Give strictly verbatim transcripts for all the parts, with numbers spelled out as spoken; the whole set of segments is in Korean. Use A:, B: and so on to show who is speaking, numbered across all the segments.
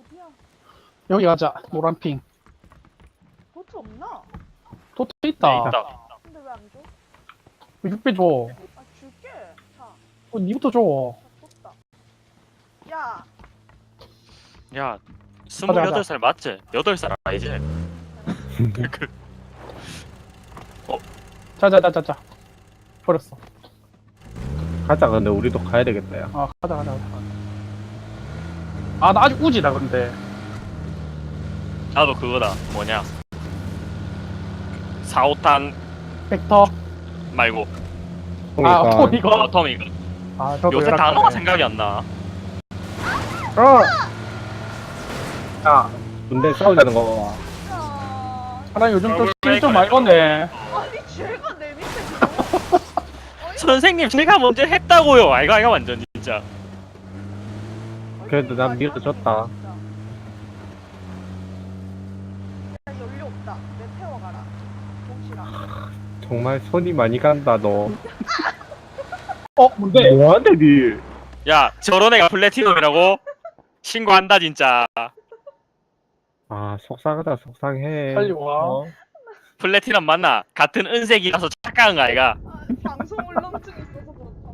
A: 어디야?
B: 여기 가자. 노란핑.
A: 도트 없나?
B: 도트
C: 네,
B: 있다.
C: 있다.
A: 근데 왜 안 줘?
B: 육 배 줘.
A: 아 줄게. 자,
B: 어, 니부터 줘.
A: 자 줬다. 야,
C: 야, 스물여덟 살 맞지? 여덟 살 아니지? 그,
B: 자자자자자. 버렸어.
D: 가자. 근데 우리도 가야 되겠다. 야.
B: 아 가자 가자 가자. 아 나 아직 우지다 근데.
C: 나도 그거다. 뭐냐? 사오탄
B: 벡터.
C: 말고
B: 아
D: 그러니까.
B: 어, 이거.
C: 어텀 이거.
B: 아 저도
C: 요새
B: 열악하네.
C: 단어가 생각이 안 나.
B: 어.
D: 야, 근데 싸우자는 거 봐.
A: 야.
B: 하나 요즘 좀
C: 어,
B: 스킬 좀
C: 왜
B: 많이 걷네.
A: 아니 쟤가 내 밑에 들어.
C: 선생님, 제가 먼저 했다고요. 아이가 아이가 완전 진짜.
D: 그래도 난 밀어줬다.
A: 야, 연료 없다. 내 태워가라. 동시랑.
D: 정말 손이 많이 간다 너.
B: 어 뭔데?
D: 뭐하는데 니?
C: 야, 저런 애가 플래티넘이라고? 신고한다 진짜.
D: 아 속상하다 속상해.
B: 빨리 와.
D: 어?
C: 플래티넘 맞나? 같은 은색이라서 착각한 거 아이가?
A: 아, 방송 울렁증 있어서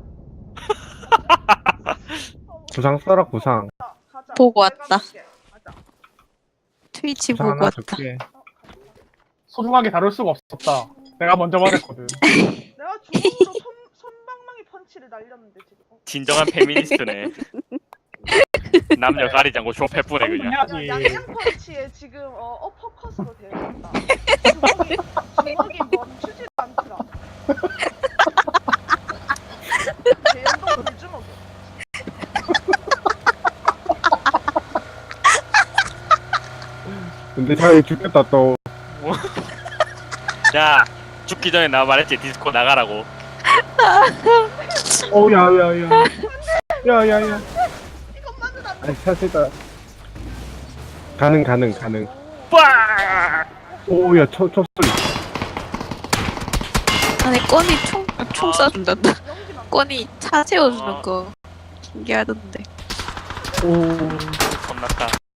A: 그렇다.
D: 구상 써라 구상.
A: 자, 가자.
E: 보고
A: 내가
E: 왔다.
A: 줄게. 가자.
E: 트위치
D: 구상
E: 보고
D: 하나
E: 왔다.
D: 줄게.
A: 어, 가자.
B: 소중하게 다룰 수가 없었다. 내가 먼저 말했거든.
A: 내가 주먹으로 손, 손방망이 펀치를 날렸는데 지금. 어.
C: 진정한 페미니스트네. 남녀 가리지 않고 좁해뿌네 그냥.
A: 야,
B: 해야지.
A: 양양 펀치에 지금 어, 어퍼컷으로 되어있다. 주먹이, 주먹이 멈추지도 않더라. 대연동 불주먹이.
D: 근데 잘 죽겠다 또.
C: 야, 죽기 전에 나 말했지 디스코 나가라고.
D: 어 야야야. 야야야.
A: 이것만은 안 돼.
D: 아니 사실다. 가능 가능 가능.
C: 빠!
D: 오야 첩첩 소리.
E: 아니 꺼니 총, 아, 총 쏴준단다.
A: 연기만.
E: 꺼니 차 세워주는
C: 아.
E: 거 신기하던데.
D: 오.
C: 겁났다.